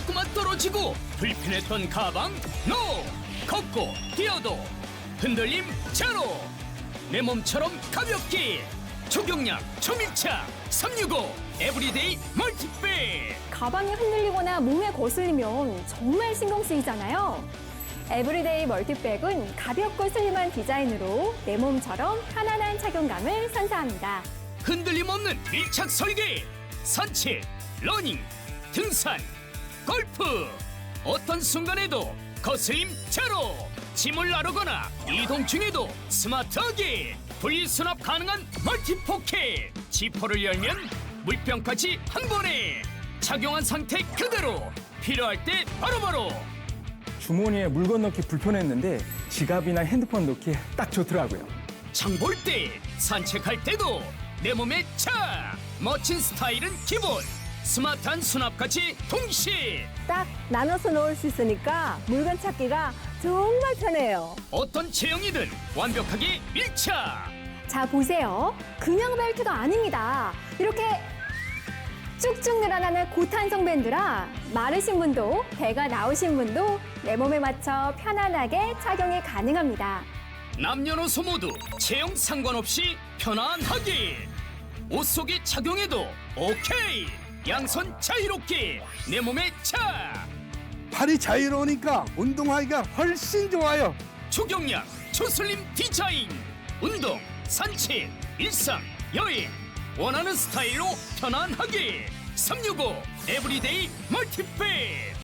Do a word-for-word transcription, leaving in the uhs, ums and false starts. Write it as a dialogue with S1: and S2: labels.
S1: 자꾸만 떨어지고 불편했던 가방 노! 걷고 뛰어도 흔들림 제로! 내 몸처럼 가볍게 초경량 초밀착 삼육오 에브리데이 멀티백.
S2: 가방이 흔들리거나 몸에 거슬리면 정말 신경 쓰이잖아요. 에브리데이 멀티백은 가볍고 슬림한 디자인으로 내 몸처럼 편안한 착용감을 선사합니다.
S1: 흔들림 없는 밀착 설계. 산책, 러닝, 등산, 골프 어떤 순간에도 거슬림 제로. 짐을 나르거나 이동 중에도 스마트하게 분리수납 가능한 멀티포켓. 지퍼를 열면 물병까지 한 번에 착용한 상태 그대로 필요할 때 바로바로.
S3: 주머니에 물건 넣기 불편했는데 지갑이나 핸드폰 넣기 딱 좋더라고요.
S1: 장 볼 때, 산책할 때도 내 몸에 차! 멋진 스타일은 기본! 스마트한 수납까지 동시에!
S4: 딱 나눠서 넣을 수 있으니까 물건 찾기가 정말 편해요.
S1: 어떤 체형이든 완벽하게 밀착!
S2: 자, 보세요. 그냥 벨트가 아닙니다. 이렇게 쭉쭉 늘어나는 고탄성 밴드라 마르신 분도 배가 나오신 분도 내 몸에 맞춰 편안하게 착용이 가능합니다.
S1: 남녀노소 모두 체형 상관없이 편안하게! 옷 속에 착용해도 오케이! 양손 자유롭게 내 몸에 차!
S5: 팔이 자유로우니까 운동하기가 훨씬 좋아요.
S1: 초경량, 초슬림 디자인! 운동, 산책, 일상, 여행 원하는 스타일로 편안하게 삼육오 에브리데이 멀티백.